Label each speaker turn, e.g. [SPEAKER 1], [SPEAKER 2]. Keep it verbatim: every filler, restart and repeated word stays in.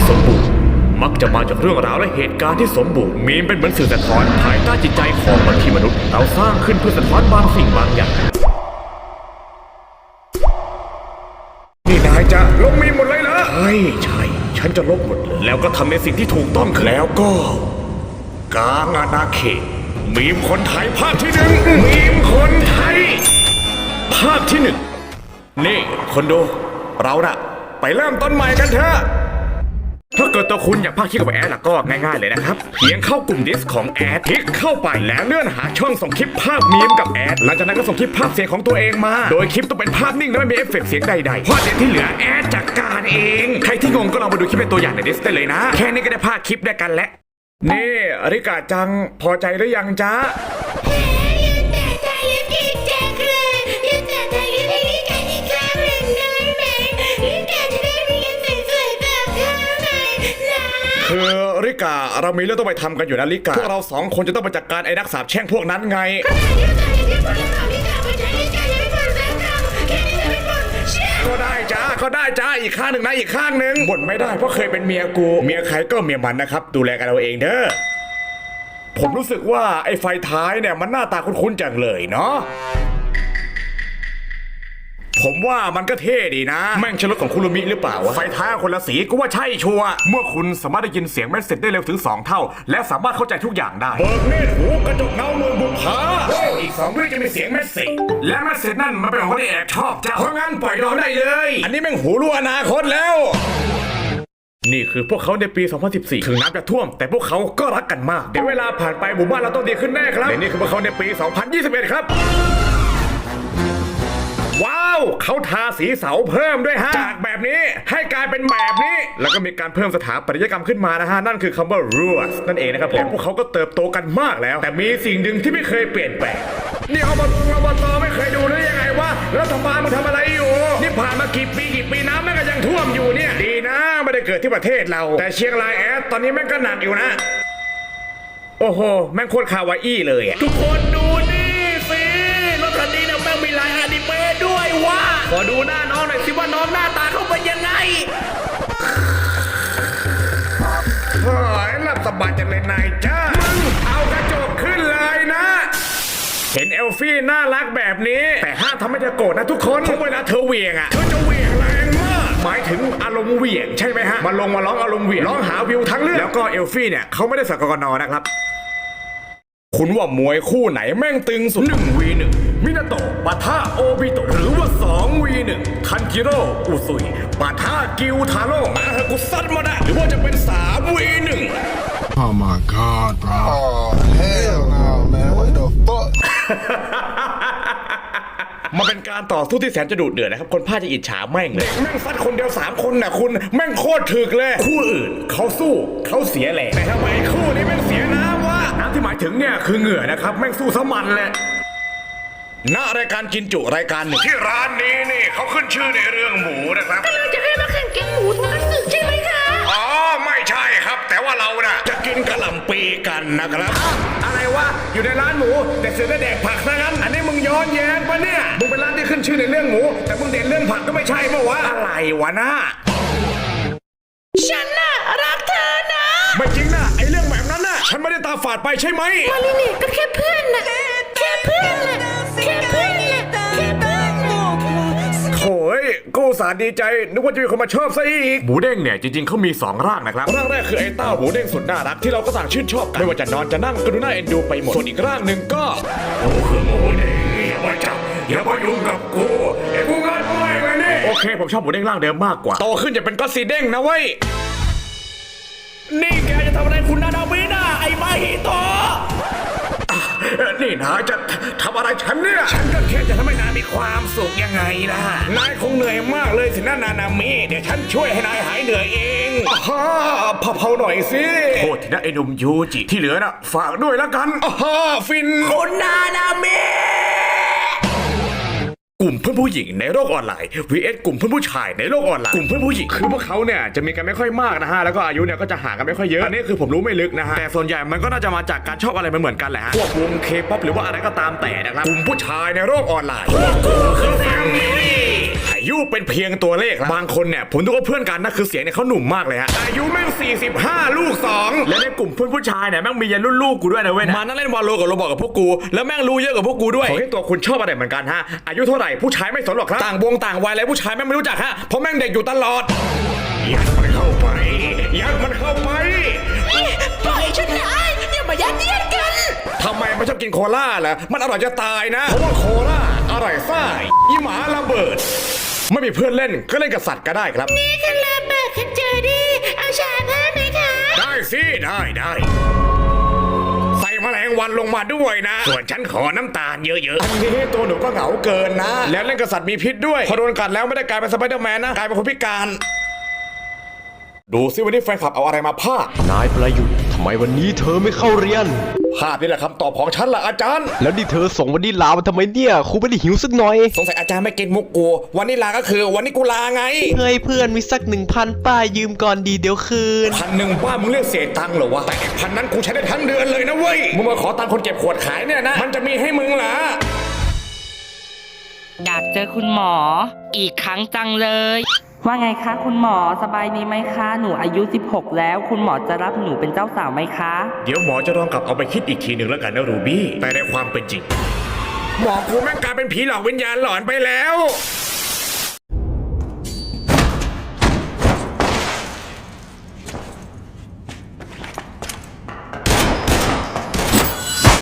[SPEAKER 1] สมบูรณ์มักจะมาจากเรื่องราวและเหตุการณ์ที่สมบูรณ์มีมเป็นเหมือนสื่อสะท้อนภายใต้จิตใจของมนุษย์ที่มนุษย์เราสร้างขึ้นเพื่อสะท้อนบางสิ่งบางอย่างนี่นายจะลบมีมหมดเลยเหรอใช่ใช่ฉันจะลบหมดเลยแล้วก็ทำในสิ่งที่ถูกต้องแล้วก็กลางอาณาเขตมีมคนไทยภาคที่หนึ่งมีมคนไทยภาคที่หนึ่งนี่คนดูเราน่ะไปเริ่มต้นใหม่กันเถอะถ้าเกิดตัวคุณอยากพากย์คลิปกับแอดล่ะก็ง่ายๆเลยนะครับเพียงเข้ากลุ่มดิสของแอดคลิกเข้าไปแล้วเลื่อนหาช่องส่งคลิปภาพมีมกับแอดหลังจากนั้นก็ส่งคลิปภาพเสียงของตัวเองมาโดยคลิปต้องเป็นภาพนิ่งและไม่มีเอฟเฟกต์เสียงใดๆเพราะเดี๋ยวที่เหลือแอดจัดการเองใครที่งงก็ลองมาดูคลิปเป็นตัวอย่างในดิสได้เลยนะแค่นี้ก็ได้ภาคคลิปได้กันแล้วนี่อริกาจังพอใจหรือยังจ๊ะคือริกาเรามีเรื่องต้องไปทำกันอยู่นะริกาพวกเราสองคนจะต้องไปจัดการไอ้นักสาปแช่งพวกนั้นไงก็ได้จ้าก็ได้จ้าอีกข้างหนึ่งนะอีกข้างหนึ่งบ่นไม่ได้เพราะเคยเป็นเมียกูเมียใครก็เมียมันนะครับดูแลกันเราเองเด้อผมรู้สึกว่าไอ้ไฟท้ายเนี่ยมันหน้าตาคุ้นๆจังเลยเนาะผมว่ามันก็เท่ดีนะแม่งชลดของคุรุมิหรือเปล่าวะไฟท้ายคนละสีก็ว่าใช่ชัวร์เมื่อคุณสามารถได้ยินเสียงแมสเซจได้เร็วถึงสองเท่าและสามารถเข้าใจทุกอย่างได้เบิกเนตรหูกระจกเงาเมืองบุพาอีกสองวิจะมีเสียงแมสเซจและแมสเซจนั่นมันเป็นของคนที่แอบชอบเจ้าเพราะงั้นปล่อยเราได้เลยอันนี้แม่งหูรู้อนาคตแล้วนี่คือพวกเขาในปี สองพันสิบสี่ ถึงน้ำจะท่วมแต่พวกเขาก็รักกันมากเดี๋ยวเวลาผ่านไปหมู่บ้านเราต้องดีขึ้นแน่ครับและนี่คือพวกเขาในปี สองพันยี่สิบเอ็ด ครับว้าวเขาทาสีเสาเพิ่มด้วยฮะจากแบบนี้ให้กลายเป็นแบบนี้แล้วก็มีการเพิ่มสถาปัตยกรรมขึ้นมานะฮะนั่นคือคำว่า rules นั่นเองนะครับผมพวกเขาก็เติบโตกันมากแล้วแต่มีสิ่งหนึ่งที่ไม่เคยเปลี่ยนแปลงนี่อบตอบตไม่เคยดูหรือยังไงวะรัฐบาลมึงทำอะไรอยู่นี่ผ่านมากี่ปีกี่ปีน้ำแม่งก็ยังท่วมอยู่เนี่ยดีนะไม่ได้เกิดที่ประเทศเราแต่เชียงรายแอดตอนนี้แม่งก็หนักอยู่นะโอ้โหแม่งโคตรคาวาอี้เลยทุกคนดูนี่สิรถคันนี้เนี่ยแม่งมีลายอนิเมะด้วยว่าขอดูหน้าน้องหน่อยสิว่าน้องหน้าตาเขาเป็นยังไงเฮ้ยหลับสบายจังเลยนายจ้ามึงเอากระจกขึ้นเลยนะเห็นเอลฟี่น่ารักแบบนี้แต่ห้ามทำให้เธอโกรธนะทุกคนเพราะเวลาเธอเหวี่ยงอ่ะเธอจะเหวี่ยงแรงมากหมายถึงอารมณ์เหวี่ยงใช่ไหมฮะมาลงมาร้องอารมณ์เหวี่ยงร้องหาวิวทั้งเรื่องแล้วก็เอลฟี่เนี่ยเขาไม่ได้สักกนนะครับคุณว่ามวยคู่ไหนแม่งตึงสุด หนึ่ง วี หนึ่ง มินาโตะปะทะโอบิโตะหรือว่า สอง วี หนึ่ง คันจิโร่อุซุยปะทะกิวทาโร่มาเถอะกูซัดมาได้หรือว่าจะเป็น สาม วี หนึ่ง
[SPEAKER 2] Oh my god bro Oh hell no man what the fuck
[SPEAKER 1] มาเป็นการต่อสู้ที่แสนจะดุเดือดนะครับคนพาจะอิจฉาแม่งเลยแม่งซัดคนเดียวสามคนน่ะคุณแม่งโคตรถึกเลยคู่อื่นเขาสู้เขาเสียแหละแต่ทำไมคู่นี้แม่งเสียน้ำวะน้ำที่หมายถึงเนี่ยคือเหงื่อนะครับแม่งสู้สมันเลยณรายการกินจุรายการหนึ่งที่ร้านนี้นี่เขาขึ้นชื่อในเรื่องหมูนะครับ
[SPEAKER 3] ก็เลยจะให้มาแข่งกินหมูทอดสึกใช่ไหมคะ
[SPEAKER 1] อ๋อไม่ใช่ครับแต่ว่าเราน่ะจะกินกะหล่ำปีกันนะครับอะไรวะอยู่ในร้านหมูแต่เสือได้แดกผักซะงั้นอันนี้มึงย้อนแย้งปะเนี่ยมึงเป็นร้านที่ขึ้นชื่อในเรื่องหมูแต่มึงเด่นเรื่องผักก็ไม่ใช่ปะวะอะไรวะน่า
[SPEAKER 3] ฉันน่ะรักเธอนะ
[SPEAKER 1] ไม่จริงนะไอเรื่องแบบนั้นน่ะฉันไม่ได้ตาฝาดไปใช่ไหม
[SPEAKER 3] มาลินี่ก็แค่เพื่อนน่ะแค่เพื่อนน่ะแค่เพื่อนน่ะแค่เพื่อนน่ะ
[SPEAKER 1] โอ้ยกูอุตส่าห์ดีใจนึกว่าจะมีคนมาชอบซะอีกหมูเด้งเนี่ยจริงๆเขามีสองร่างนะครับร่างแรกคือไอ้เต้าหมูเด้งสุดน่ารักที่เราก็ต่างชื่นชอบกันไม่ว่าจะนอนจะนั่งก็ดูน่าเอ็นดูไปหมดส่วนอีกร่างหนึ่งก็กูคือหมูเด้งอย่ามาจับอย่ามายุ่งกับกูไอ้กูงัดไม่ไปนี่โอเคผมชอบหมูเด้งร่างเดิมมากกว่าโตขึ้นจะเป็นก็อตซีเด้งนะเว้ยนี่แกจะทำอะไรคุณนาดาวินะไอ้มาฮิโตะนี่นายจะทำอะไรฉันเนี่ยฉันก็แค่จะทำให้นายมีความสุขยังไงล่ะนายคงเหนื่อยมากเลยสินะนานามิเดี๋ยวฉันช่วยให้นายหายเหนื่อยเองฮ่าเผาๆหน่อยสิโทษทีนะไอ้หนุ่มยูจิที่เหลือน่ะฝากด้วยแล้วกันฮ่าฟินคุณนานามิกลุ่มเพื่อนผู้หญิงในโลกออนไลน์ วี เอส กลุ่มเพื่อนผู้ชายในโลกออนไลน์กลุ่มเพื่อนผู้หญิงคือพวกเขาเนี่ยจะมีกันไม่ค่อยมากนะฮะแล้วก็อายุเนี่ยก็จะห่างกันไม่ค่อยเยอะอันนี้คือผมรู้ไม่ลึกนะฮะแต่ส่วนใหญ่มันก็น่าจะมาจากการชอบอะไรเหมือนกันแหละฮะพวกวงเคป๊อปหรือว่าอะไรก็ตามแต่นะครับกลุ่มผู้ชายในโลกออนไลน์พวกกูคือแฟมิลี่ให้ยุเป็นเพียงตัวเลขบางคนเนี่ยผมดูว่าเพื่อนกันนะคือเสียงเนี่ยเขาหนุ่มมากเลยฮะอายุแม่งสี่สิบห้าลูกสองและในกลุ่มเพื่อนผู้ชายเนี่ยแม่งมียันรุ่นลูกกูด้วยนะเว้ยมานั่งเล่นวาโลกับโรบอกกับพวกกูแล้วแม่งรู้เยอะกับพวกกูด้วยขอให้ตัวคุณชอบอะไรเหมือนกันฮะอายุเท่าไหร่ผู้ชายไม่สนหรอกครับต่างวงต่างวัยแล้วผู้ชายแม่งไม่รู้จักฮะเพราะแม่งเด็กอยู่ตลอดยัดมันเข้าไปยัดมันเข้าไป
[SPEAKER 3] ปล่อยฉันนะอย่ามายัดเยียดกัน
[SPEAKER 1] ทำไมมันชอบกินโคล่าล่ะมันอร่อยจะตายนะเพราะว่าโคล่าอร่อยซ่าอีหมาระเบิดไม่มีเพื่อนเล่นก็เล่นกับสัตว์ก็ได้ครับ
[SPEAKER 3] นี่คือระเบิดคุณเจอดีเอาชาเพิ่มไหมคะ
[SPEAKER 1] ได้สิได้ได้ใส่แมลงวันลงมาด้วยนะส่วนฉันขอน้ำตาลเยอะๆอันนี้ตัวหนูก็เหงาเกินนะแล้วเล่นกับสัตว์มีพิษด้วยพอโดนกัดแล้วไม่ได้กลายเป็นสไปเดอร์แมนนะกลายเป็นคนพิการดูซิวันนี้แฟนคลับเอาอะไรมาพากย์
[SPEAKER 4] นายประยุทธ์ทำไมวันนี้เธอไม่เข้าเรียน
[SPEAKER 1] ภาพนี่แหละคำตอบของฉันล่ะอาจารย์
[SPEAKER 4] แล้วนี่เธอส่งวันนี้ลามาทำไมเนี่ยครูไม่ได้หิวสักหน่อย
[SPEAKER 1] สงสัยอาจารย์ไม่เก็ตมุกกูวันนี้ลาก็คือวันนี้กูลาไง
[SPEAKER 4] เฮ้ยเพื่อนมีสักหนึ่งพันป้ายืมก่อนดีเดี๋ยวคืน
[SPEAKER 1] พันหนึ่งบ้ามึงเรียกเศษตังค์เหรอวะแต่พันนั้นกูใช้ได้ทั้งเดือนเลยนะเว้ยมึงมาขอตังค์คนเก็บขวดขายเนี่ยนะมันจะมีให้มึงเหรอ
[SPEAKER 5] อยากเจอคุณหมออีกครั้งจังเลย ว่าไงคะคุณหมอสบายดีไหมคะ หนูอายุสิบหกแล้วคุณหมอจะรับหนูเป็นเจ้าสาวไหมคะ
[SPEAKER 1] เดี๋ยวหมอจะลองกลับเอาไปคิดอีกทีหนึ่งแล้วกันนะรูบี้แต่ในความเป็นจริงหมอกูแม่งกลายเป็นผีหลอกวิญญาณหลอนไปแล้ว